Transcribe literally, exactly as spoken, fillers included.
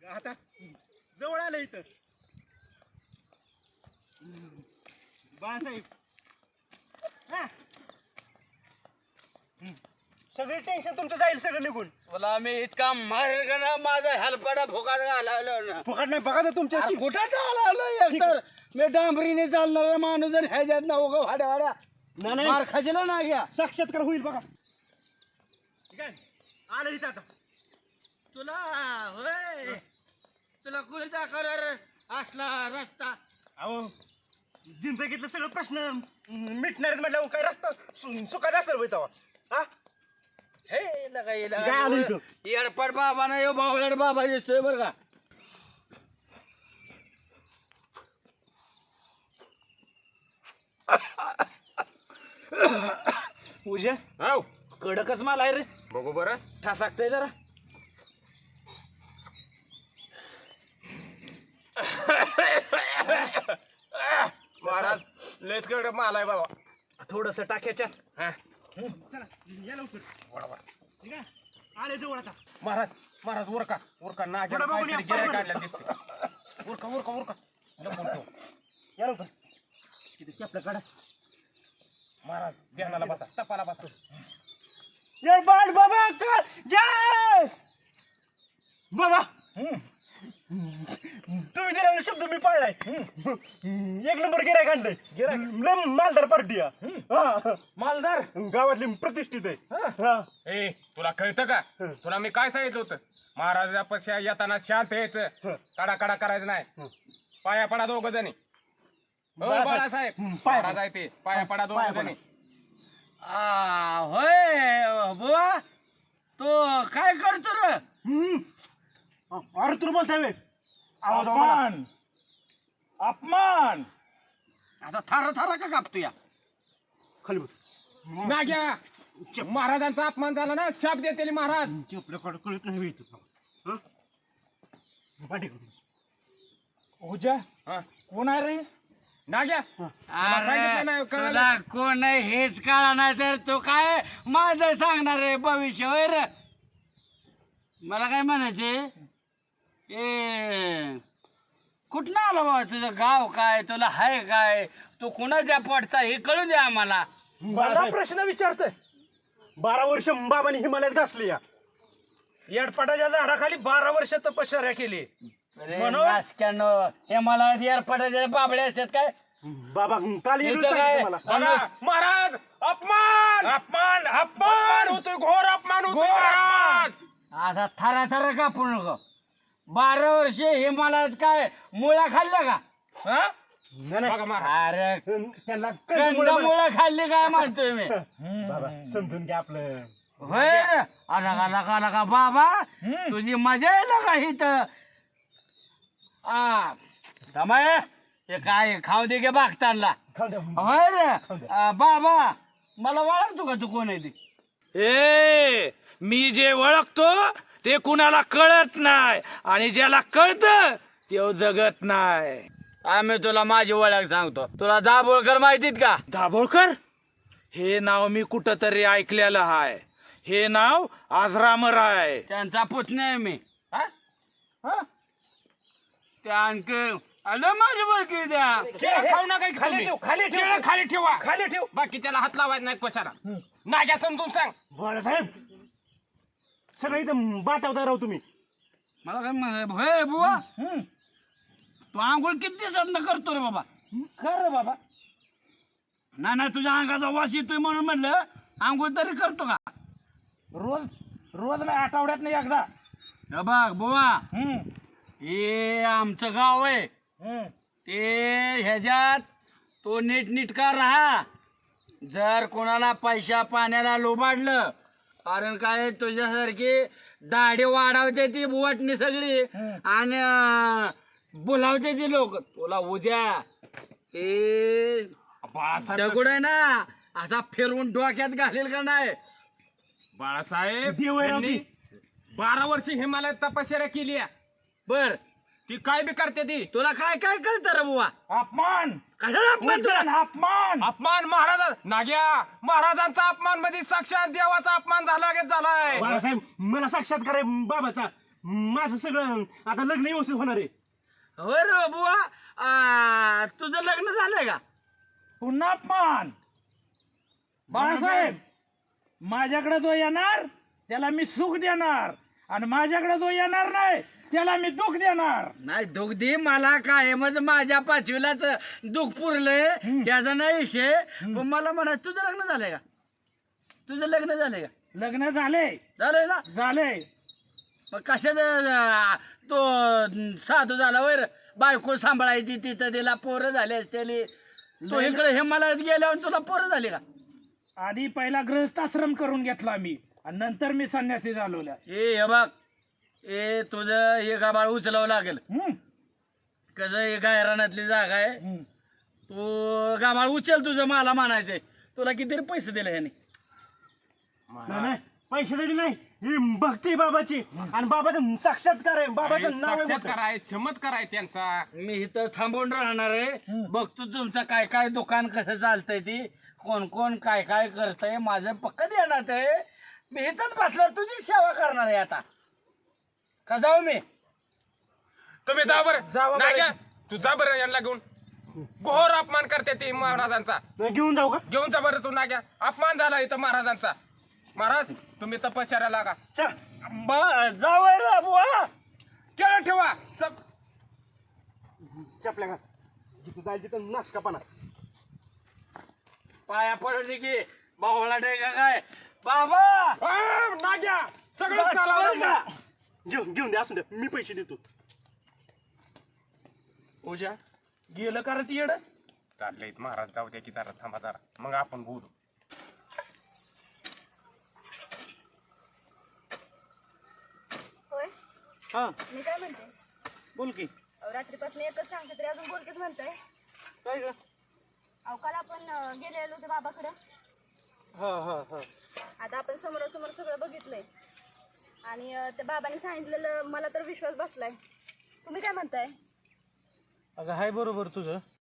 आता जवळ आलं इथं बाळासाहेब. हा. सगळे टेन्शन तुमचं जाईल सगळं निघून. मला मी इतका मारेल का ना माझा हेलपाडा फुकाट घालावलं ना. फुकट नाही बघा ना तुमच्या अरे कुठं चालवलं एकतर मी डांबरीने चालणारा माणूस जर ह्याच्यात ना उगा भाड्या भाड्या नाही, नाही. मार खाजला ना घ्या. साक्षात्कार होईल बघा. ठीक आहे आलं इथं आता. तुला होय तुला कुणी दाखवणार असला रस्ता. अहो जिंदगीतलं सगळं प्रश्न मिटणार म्हटलं काय रस्ता सु- सुखाचा असेल होय तेव्हा. हा हे लगा हे काय आलं इथं? लगा येडपड बाबा ना यो बावळड बाबा दिसतोय बरं का. पूजा हो कडकच माल आहे रे. बघू बरं. ठासाकतंय जरा. महाराज लेच कडक माल आहे बाबा. थोडस टाक्याच्या. हा चला या लवकर. ठीक आहे आले जवळ आता. महाराज महाराज उरका उरका ना पुढं बघून या, काहीतरी गिऱ्हाईक पुढं. काढलेलं दिसते. उरका उरका उरका लपून या लवकर. तिथे चपला काढा. महाराज ध्यानाला बसा तपाला बसा. जय बाळ बाबा का जय बाबा. तुम्ही दिलेला शब्द मी पाळलाय. एक नंबर गिरायक आणलंय. गिरायक मालदार पार्टी हा. मालदार गावातली प्रतिष्ठित आहे. हा. ए तुला कळतं का तुला मी काय सांगितलं होतं महाराजापाशी येताना शांत यायचं कडा कडा करायचं नाही पाया पडा दोघ जणी हो बाळासाहेब. बाळासाहेब पाया महाराज आहे ते पाया पडा दोघ पाया जणी आ होय बुवा तो काय करतो रे. हम्म. अरे तुला बोलताय बे. आवाज आवाज आला. अपमान अपमान. आता थारा थारा का कापतो या. खाली बस. नाग्या महाराजांचा अपमान झाला ना शाप देतेली महाराज आपल्याकडे कळत नाही बे इथं. हं? पाठी करून बस. पूजा हा. कोण आहे रे? नाग्या तुला सांगितलं नाही अरे, कळलं तुला कोण आहे हेच कळा नाही तर तो काय माझं सांगणार आहे भविष्य होय रे. मला काय म्हणायचे ए कुठनं आलं बाबा तुझं गाव काय तुला हाय काय तू कुणाच्या पोटचा हे कळू दे आम्हाला. मला बाळासाहेब, प्रश्न विचारतोय. बारा वर्ष बाबांनी हिमालयात घासली या. येडपाटाच्या झाडाखाली बारा वर्ष तपश्चर्या केली. म्हणून? नासक्यानं हे मला एअरपोर्टाच्या बाबड्या असतात काय बाबा काल इथं येऊन काय मला. बघा, महाराज अपमान अपमान अपमान अपमान होतोय घोर अपमान होतोय घोर महाराज. असा थरा थरा कापू नको. बारा वर्ष हिमालयात काय मुळ्या खाल्ल्या का. हा? नाही, नाही. बघा महाराज अरे त्यांना कंदमुळं मला- कंदमुळं खाल्ली काय म्हणतोय मी. बाबा समजून घ्या आपलं. होय रे. अला का लका लका बाबा तुझी मजा आहे का इथं. आ दमाय हे काय खाऊ दे गे बागतानला. खाऊ द्या. होय रे आ, बाबा मला ओळखतो का तू कोण आहे ते. ए मी जे ओळखतो ते कुणाला कळत नाही आणि ज्याला कळतं ते जगत नाही. आम्ही तुला माझी ओळख सांगतो. तुला दाभोळकर माहितीत का. दाभोळकर हे नाव मी कुठं तरी ऐकलेलं आहे. हे नाव आजरामर आहे. त्यांचा पुतण्या आहे मी. हा? हा? त्या आणखी आलं माझी ओळखी द्या. केळं खाऊ नका इथं खाली तुम्ही. ठेव, खाली ठेव. केळं खाली ठेवा खाली ठेव. बाकी त्याला हात लावायचा नाही कशाला नाग्या समजून सांग. बाळासाहेब सगळं इथं बाटावता राहू तुम्ही. मला काय म्हणायचं होय बुवा तू आंघोळ किती दिवसात करतो रे बाबा. खरं बाबा. नाही नाही तुझ्या अंगाचा वास येतोय म्हणून म्हणलं आंघोळ तरी करतो का. रोज रोज नाही आठवड्यात नाही एकदा. हे बघ बुवा हम्म. हे आमचं गाव आहे. हम्म. ते ह्याच्यात तो नीटनीटका राहा. जर कोणाला पैशा पाण्याला लोबाडलं कारण काय तुझ्यासारखी दाढी वाढवते ती बुवाटणी सगळी आणि अं, बोलावते ती लोक तुला उद्या ते बाळासाहेब दगड आहे ना असा फिरवून डोक्यात घालेल का नाही. बाळासाहेब देव आहे राव यांनी बारा वर्ष हिमालयात तपश्चर्या केली आहे. बर ती काय बी करते ती. तुला काय काय कळतं रे बुवा. अपमान. कशाला अपमान तुला? पूजन, अपमान. अपमान महाराज नाग्या महाराजांचा अपमान मध्ये साक्षात देवाचा अपमान झाला झालाय. बाळासाहेब मला साक्षात्कार आहे बाबाचा. माझं सगळं आता लग्न व्यवस्थित होणार आहे. होय रे बुवा आ, तुझं लग्न झालंय का? पुन्हा अपमान बाळासाहेब, माझ्याकडे जो येणार त्याला मी सुख देणार आणि माझ्याकडे जो येणार नाही त्याला मी दुःख देणार. नाही दुःख दे मला काय म्हणजे माझ्या पाचवीलाच दुःख पुरलंय त्याचा नाही विषय. पण मला म्हणा तुझं लग्न झालंय का? तुझं लग्न झालंय का? लग्न झाले झालंय ना? झाले. मग कशाचं तो साधू झाला वर बायको सांभाळायची तिथं तिला पोरं झाले असते. तो इकडे हिमालयात गेल्यावर तुला पोरं झाली का? आधी पहिला गृहस्थाश्रम करून घेतला मी आणि नंतर मी संन्यासी झालो. ए हे बघ ए तुझं हे गाबाळ उचलावं लागेल. हम्म, कसं हे गायरानातली जागा आहे. हम्म. तू गाबाळ उचल तुझं मला म्हणायचंय. तुला किती पैसे दिले ह्याने? नाही नाही पैशासाठी नाही, ही भक्ती आहे बाबाची आणि बाबाचं साक्षात्कार आहे. बाबाचं नाव आहे मोठं. साक्षात्कार आहे, चमत्कार आहे त्यांचा. मी इथं थांबून राहणार आहे. बघतो तुमचं काय काय दुकान कसं चालतंय ती कोण कोण काय काय करतंय. माझं पक्क देणार आहे. मी इथंच बसल्यावर तुझी सेवा करणार आहे. आता का जाऊ मी? तुम्ही जा बरं. जावा बरं. नाही घ्या. तू जा बरं यांना घेऊन. घोर अपमान करते ती महाराजांचा. नाही, घेऊन जाऊ का? घेऊन जा बरं तू ना घ्या. अपमान झाला इथं महाराजांचा. महाराज तुम्ही तपश्चर्या लागा. चल. जाऊ रे बुवा. केलं ठेवा सब. चपल्या घाल. जिथं जाईल तिथं नाचका पाना. पाया पडली की बाहुला का काय बाबा आ, ना घ्या सगळं बरं चालवलं का? घेऊन घेऊन द्या, असू द्या, मी पैसे देतो. पूजा गेलं का रे ती येड? चाललंय महाराज जाऊ द्या की जरा थांबा जरा मग आपण बोलू. होय हा मी काय म्हणते बोल की. अहो, रात्रीपासून एकच सांगते तरी अजून बोलकेच म्हणताय. काय ग? अहो काल आपण अं, गेलेलो होतो बाबाकडं. हा हा हा आता आपण समोरासमोर सगळं बघितलंय आणि अं, त्या बाबांनी सांगितलेलं मला तर विश्वास बसलाय. तुम्ही काय म्हणताय? अगं हाय बरोबर तुझं.